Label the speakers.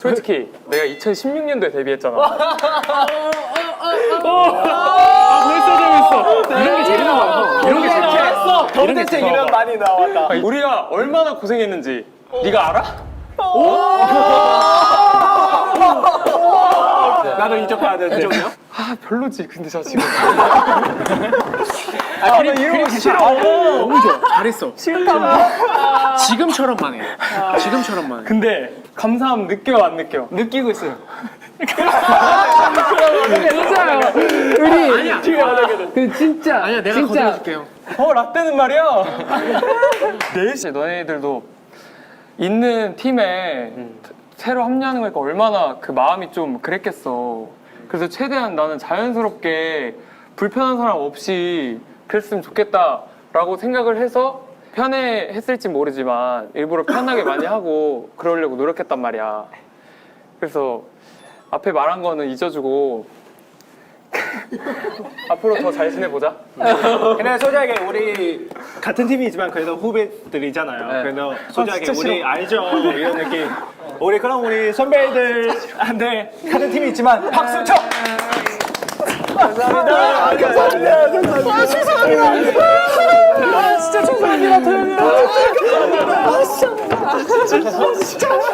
Speaker 1: 솔직히 내가 2016년도에 데뷔했잖아.
Speaker 2: 벌써 재밌어. 이런 게 재밌나 봐요. 이런 게 재밌어.
Speaker 3: 도대체 이름 많이 나왔다.
Speaker 1: 우리가 얼마나 고생했는지 네가 알아?
Speaker 3: 나도 이쪽 가야 돼. 이쪽이요?
Speaker 1: 아 별로지. 근데 저 지금
Speaker 2: 그림 싫어. 너무 좋아. 잘했어. 싫다고. 지금처럼만 해. 지금처럼만 해.
Speaker 1: 근데 감사함 느껴 안 느껴?
Speaker 3: 느끼고 있어요.
Speaker 4: 진짜요. 우리
Speaker 2: 아니야.
Speaker 4: 그 진짜
Speaker 2: 아니야, 내가 거절해줄게요.
Speaker 1: 라떼는 말이야. 넷이 너네들도 있는 팀에 새로 합류하는 거니까 얼마나 그 마음이 좀 그랬겠어. 그래서 최대한 나는 자연스럽게 불편한 사람 없이 그랬으면 좋겠다라고 생각을 해서 편해했을지 모르지만 일부러 편하게 많이 하고 그러려고 노력했단 말이야. 그래서 앞에 말한 거는 잊어주고 앞으로 더 잘 지내보자.
Speaker 3: 근데 솔직하게 우리 같은 팀이지만 그래도 후배들이잖아요. 그래도 솔직하게
Speaker 1: 진짜
Speaker 3: 우리
Speaker 1: 싫어.
Speaker 3: 알죠 이런 느낌. 우리 그럼 우리 선배들한테 같은 팀이 있지만 박수 쳐. 감사합니다. 감사합니다. 아 죄송합니다. 아 진짜 죄송합니다. 도현이. 아 진짜.